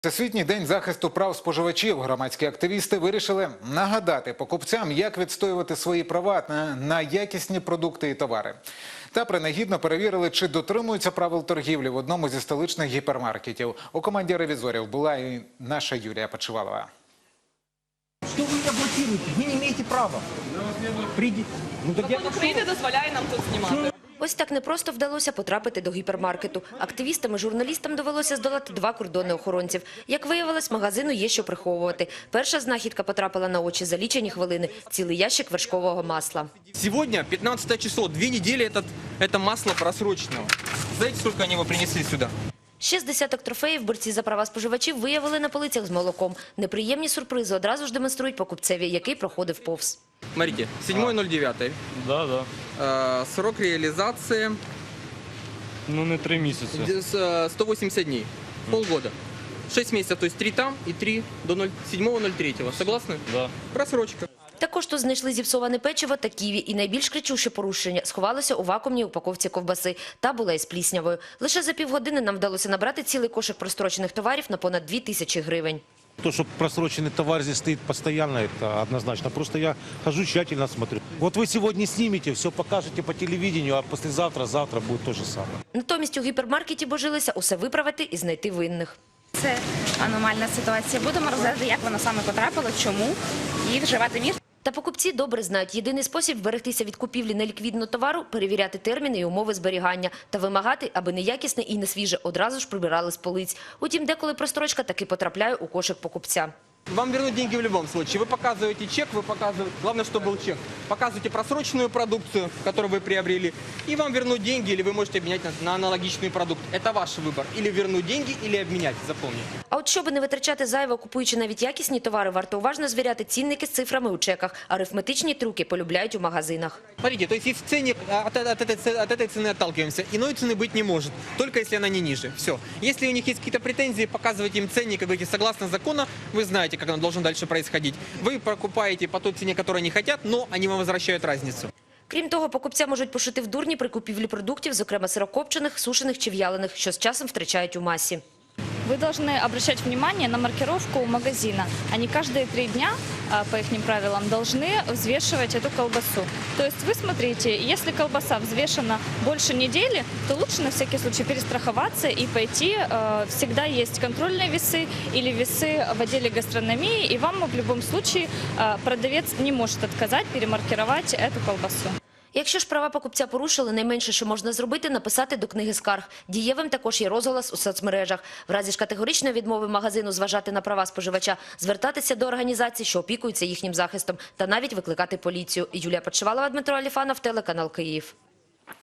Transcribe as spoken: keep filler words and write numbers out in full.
Всесвітній день захисту прав споживачів. Громадські активісти вирішили нагадати покупцям, як відстоювати свої права на, на якісні продукти і товари. Та принагідно перевірили, чи дотримуються правил торгівлі в одному зі столичних гіпермаркетів. У команді ревізорів була і наша Юлія Почивалова. Что вы меня блокируете? Вы не имеете права. Приди... Ну, так Закон України дозволяє нам тут знімати. Ось так непросто вдалося потрапити до гіпермаркету. Активістам і журналістам довелося здолати два кордони охоронців. Як виявилось, магазину є що приховувати. Перша знахідка потрапила на очі за лічені хвилини – цілий ящик вершкового масла. Сегодня, пятнадцатое число, две недели этот, это масло просроченного. Знаете, сколько они его принесли сюда? Ще з десяток трофеїв борці за права споживачів виявили на полицях з молоком. Неприємні сюрпризи одразу ж демонструють покупцеві, який проходив повз. Смотрите, седьмое ноль девятое. Да, да. Э, срок реализации Ну, не три місяці. э, сто восемьдесят дней, полгода. шесть месяцев, то есть три там и три до седьмого ноль третьего. Согласны? Да. Просрочка. Також тут знайшли зіпсоване печиво та ківі. І найбільш кричуще порушення сховалося у вакуумній упаковці ковбаси. Та була із пліснявою. Лише за півгодини нам вдалося набрати цілий кошик прострочених товарів на понад дві тисячі гривень. То, что просроченный товар здесь стоит постоянно, это однозначно. Просто я хожу, тщательно смотрю. Вот вы сегодня снимете, все покажете по телевидению, а послезавтра, завтра будет то же самое. Натомість у гіпермаркеті божилися усе виправити і знайти винних. Це аномальна ситуація. Будемо розглядати, як вона саме потрапила, чому і вживати мір. Та покупці добре знають, єдиний спосіб вберегтися від купівлі неліквідного товару – перевіряти терміни і умови зберігання та вимагати, аби неякісне і несвіже одразу ж прибирали з полиць. Утім, деколи прострочка таки потрапляє у кошик покупця. Вам вернут деньги в любом случае. Вы показываете чек, вы показываете, главное, чтобы был чек. Показываете просроченную продукцию, которую вы приобрели, и вам вернут деньги, или вы можете обменять на, на аналогичный продукт. Это ваш выбор. Или вернуть деньги, или обменять, запомните. А от щоб не витрачати зайво, купуючи навіть якісні товари, варто уважно звіряти цінники з цифрами у чеках. Арифметичні трюки полюбляють у магазинах. Смотрите, то есть если в цене, от, от, этой, от этой цены отталкиваемся, иной цены быть не может, только если она не ниже. Все. Если у них есть какие-то претензии, показывайте им ценник, как говорите, согласно закону, вы знаете, как оно должно дальше происходить. Вы покупаете по той цене, которую они хотят, но они вам возвращают разницу. Крім того, покупця можуть пошити в дурні при купівлі продуктів, зокрема сирокопчених, сушених чи в'ялених, що з часом втрачають у масі. Вы должны обращать внимание на маркировку магазина. Они каждые три дня, по их правилам, должны взвешивать эту колбасу. То есть вы смотрите, если колбаса взвешена больше недели, то лучше на всякий случай перестраховаться и пойти. Всегда есть контрольные весы или весы в отделе гастрономии, и вам в любом случае продавец не может отказать перемаркировать эту колбасу. Якщо ж права покупця порушили, найменше, що можна зробити – написати до книги скарг. Дієвим також є розголос у соцмережах. В разі ж категоричної відмови магазину зважати на права споживача, звертатися до організацій, що опікуються їхнім захистом, та навіть викликати поліцію. Юлія Почивалова, Дмитро Аліфанов, телеканал Київ.